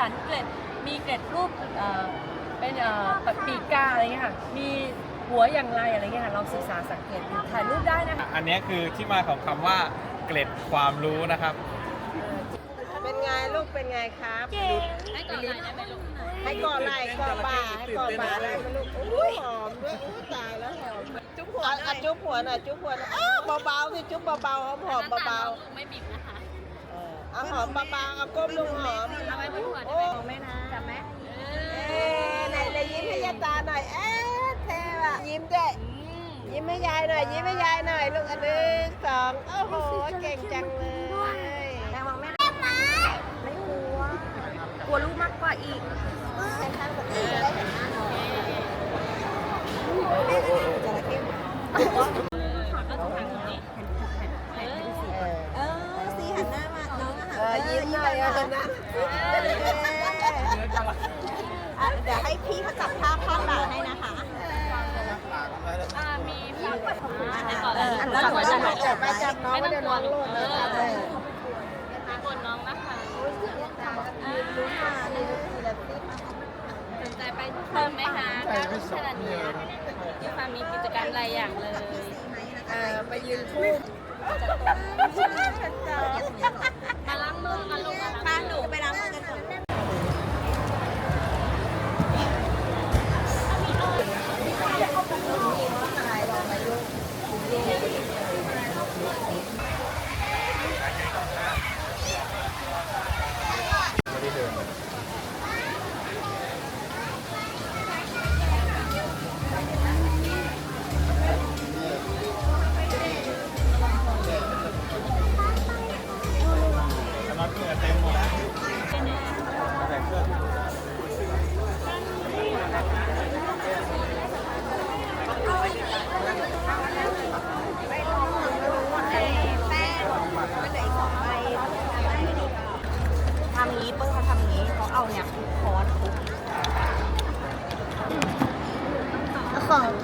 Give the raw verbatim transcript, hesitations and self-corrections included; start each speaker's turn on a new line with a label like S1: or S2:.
S1: นเกล็ดมีเกล็ดรูปเอ่อเป็นเอ่อปีกกาอะไรเงี้ยค่ะมีหัวอย่างไรอะไรเงี้ยค่ะลองศึกษาสังเกตดูถ่ายรูปได้นะคะ
S2: อันนี้คือที่มาของคำว่าเกล็ดความรู้นะครับ
S3: เป็นไงลูกเป็นไงครับ
S1: ให้ก่อนไหล่ได้ไหมลูก
S3: ให้ก่อนไหล่ก่อนบ่าให้ก่อนบ่าได้ไหมลูกอุ้ยหอมด้วยอุ้ยตายแล้วหอมจุ๊บหัวอ่ะจุ๊บหัวหน่อยจุ๊บหัวหน่อยอ้าวเบาๆสิจุ๊บเบาๆหอมหอมเบา
S1: ไม่บีบนะคะ
S3: ๆเอาหอมเบาๆเอาก้มลงหอม
S1: เอาไว้บนหัวได้
S3: โอ้
S1: ไหมนะจับไหม
S3: เอ๊ะไหนเลยยิ้มให้ยายตาหน่อยเอ๊ะเท่อะยิ้มด้วยยิ้มให้ยายหน่อยยิ้มให้ยายหน่อยลูกอันหนึ่งสองโอ้โหเก่งจังเลยแม่มองแม่ไม่กลัวกลัวลูกมากกว่าอีกแข่งขันกับพี่จะได้เห็นหน้าน้องจระเข้
S1: ก็ต้องทางนี้เออ
S3: เออสีหันหน้ามาน้องเออยิ้มหน่อยอะนะเดี๋ยวให้พี่เขาจับภาพข้างหลังให้นะคะ
S1: อ่ามีฝากปัดผมให้ก่อน
S3: เออ
S1: แล้ว
S3: จับ
S1: หัว
S3: จั
S1: จะ
S3: บ
S1: หาย
S3: จับไปจับน้อง
S1: ไม่
S3: เดี๋
S1: ต้
S3: ย
S1: อ
S3: ว
S1: งก
S3: น้
S1: ลั
S3: อ
S1: ว
S3: ง
S1: ลู
S3: ห
S1: ก
S3: ล่น
S1: เอ
S3: เลย
S1: อสนใจไปเพิ่มไหมคะการที่ขนาดนี้ยังฟังมีกิจกรรมหลายอย่างเลย
S3: เออไปยืนคู่
S1: มาล้างมือกันลูกมาล้างมือไปล้างมือกันก่อน
S2: น้องเหงื่อเต็มหมดแล้วแต่งเสื้อ
S3: ทำงี้เปิ้ลเขาทำงี้เขาเอาเนี่ยค้อนทุบของ